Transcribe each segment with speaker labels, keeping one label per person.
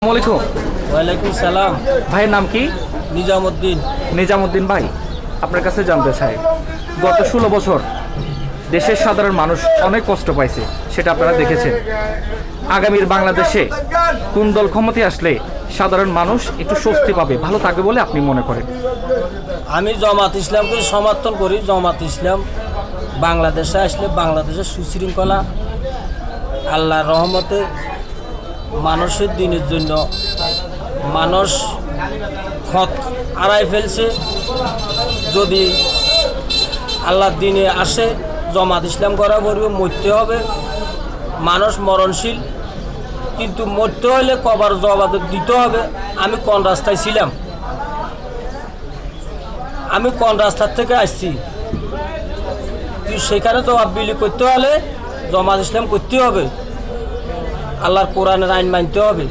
Speaker 1: আসসালামু
Speaker 2: ওয়ালাইকুম সালাম।
Speaker 1: ভাইয়ের নাম কি?
Speaker 2: নিজামুদ্দিন।
Speaker 1: নিজামুদ্দিন ভাই, আপনার কাছে জানতে চাই, গত 16 বছর দেশের সাধারণ মানুষ অনেক কষ্ট পাইছে, সেটা আপনারা দেখেছেন। আগামীর বাংলাদেশে কোন দল ক্ষমতায় আসলে সাধারণ মানুষ একটু স্বস্তি পাবে, ভালো থাকবে বলে আপনি মনে করেন?
Speaker 2: আমি জামাত ইসলামকে সমর্থন করি। জামাত ইসলাম বাংলাদেশে আসলে বাংলাদেশের সুশৃঙ্খলা, আল্লাহর রহমতে মানুষের দিনের জন্য মানুষ খত আড়াই ফেলছে। যদি আল্লাহর দিনে আসে জামাত ইসলাম করা করবে, মরতে হবে। মানুষ মরণশীল, কিন্তু মরতে হলে কবার জবাব দিতে হবে। আমি কোন রাস্তায় ছিলাম, আমি কোন রাস্তার থেকে আসছি, তুই সেখানে জবাবদিহি করতে হলে জামাত ইসলাম করতে হবে, আল্লাহর কোরআনের আইন মানতে হবে।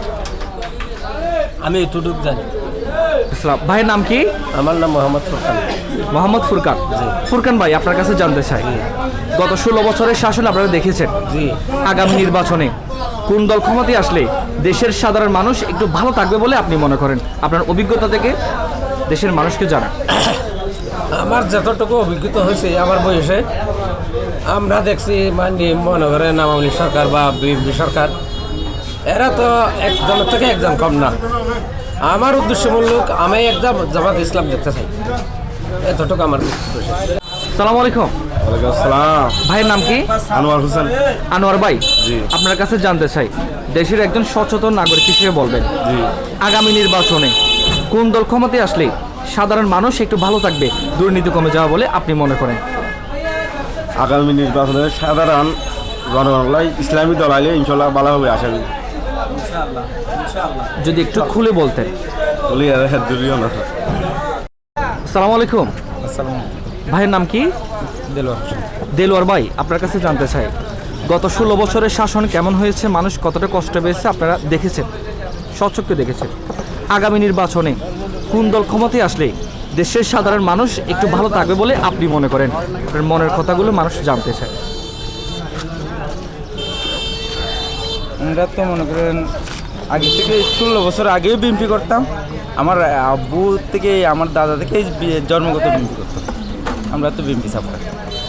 Speaker 2: আমি এতটুকু জানি।
Speaker 1: ভাইয়ের নাম কি?
Speaker 2: আমার নাম মোহাম্মদ ফুরকান।
Speaker 1: মোহাম্মদ ফুরকান। ফুরকান ভাই, আপনার কাছে জানতে চাই, গত 16 বছরের শাসন আপনারা দেখেছেন।
Speaker 2: জি।
Speaker 1: আগামী নির্বাচনে কোন দল ক্ষমতায় আসলে দেশের সাধারণ মানুষ একটু ভালো থাকবে বলে আপনি মনে করেন? আপনার অভিজ্ঞতা থেকে দেশের মানুষকে জানান।
Speaker 2: আমার যতটুকু অভিজ্ঞতা হয়েছে আমার বয়সে, আমরা দেখছি মনে করেন আওয়ামী লীগ সরকার বা বিএনপি সরকার, এরা তো একজনের থেকে একজন কম না। আমার উদ্দেশ্যমূলক আমি একদম জামাত ইসলাম দেখতে চাই, এতটুকু আমার উদ্দেশ্য।
Speaker 1: আসসালামু আলাইকুম।
Speaker 3: ওয়ালাইকুম আসসালাম।
Speaker 1: ভাইয়ের নাম কি?
Speaker 3: আনোয়ার হোসেন।
Speaker 1: আনোয়ার ভাই,
Speaker 3: জি।
Speaker 1: আপনার কাছে জানতে চাই, দেশের একজন সচেতন নাগরিক হিসেবে বলবেন,
Speaker 3: জি।
Speaker 1: আগামী নির্বাচনে কোন দল ক্ষমতায় আসলে সাধারণ মানুষ একটু ভালো থাকবে, দুর্নীতি কমে যাওয়া বলে আপনি মনে করেন?
Speaker 3: আগামী নির্বাচনে সাধারণ জনগণলাই ইসলামী দল আইলে ইনশাল্লাহ ভালো হবে আশা করি।
Speaker 1: যদি একটু খুলে বলতেন।
Speaker 3: বলি আর দূরিও না।
Speaker 1: আসসালামু আলাইকুম। ভাইয়ের নাম কি? দেলোয়ার ভাই, আপনার কাছে জানতে চাই, গত 16 বছরের শাসন কেমন হয়েছে, মানুষ কতটা কষ্ট পেয়েছে আপনারা দেখেছেন, স্বচক্ষে দেখেছেন। আগামী নির্বাচনে কোন দল ক্ষমতায় আসলে দেশের সাধারণ মানুষ একটু ভালো থাকবে বলে আপনি মনে করেন? আপনার মনের কথাগুলো মানুষ জানতে চায়।
Speaker 4: আমরা তো মনে করেন আগে থেকে 16 বছর আগেই বিএনপি করতাম। আমার আব্বু থেকে আমার দাদা থেকে জন্মগত বিএনপি করতাম। আমরা তো বিএনপি সাপোর্টার।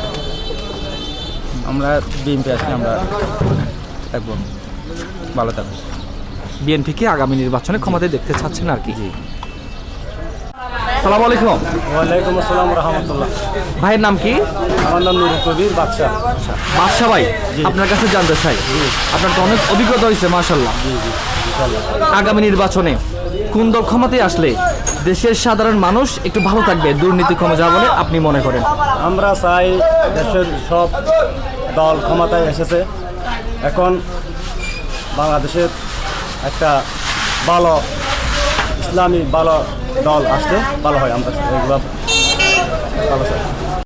Speaker 4: আমরা বিএনপি আসলে আমরা থাকবো, ভালো থাকবো।
Speaker 1: বিএনপিকে আগামী নির্বাচনে ক্ষমতায় দেখতে চাচ্ছেন আর কি? আসসালামু আলাইকুম।
Speaker 2: ওয়ালাইকুম আসসালাম রহমতুল্লাহ।
Speaker 1: ভাইয়ের নাম কি?
Speaker 2: আমার নাম নুরুল কবির বাদশাহ।
Speaker 1: বাদশা ভাই, আপনার কাছে জানতে চাই, আপনার তো অনেক অভিজ্ঞতা হয়েছে মাশাআল্লাহ। আগামী নির্বাচনে কোন দল ক্ষমতায় আসলে দেশের সাধারণ মানুষ একটু ভালো থাকবে, দুর্নীতি কমে যাওয়া বলে আপনি মনে করেন?
Speaker 5: আমরা চাই দেশের সব দল ক্ষমতায় এসেছে, এখন বাংলাদেশের একটা ভালো ইসলামী ভালো দল আসলে ভালো হয়। আমরা এগুলো ভালো চাই।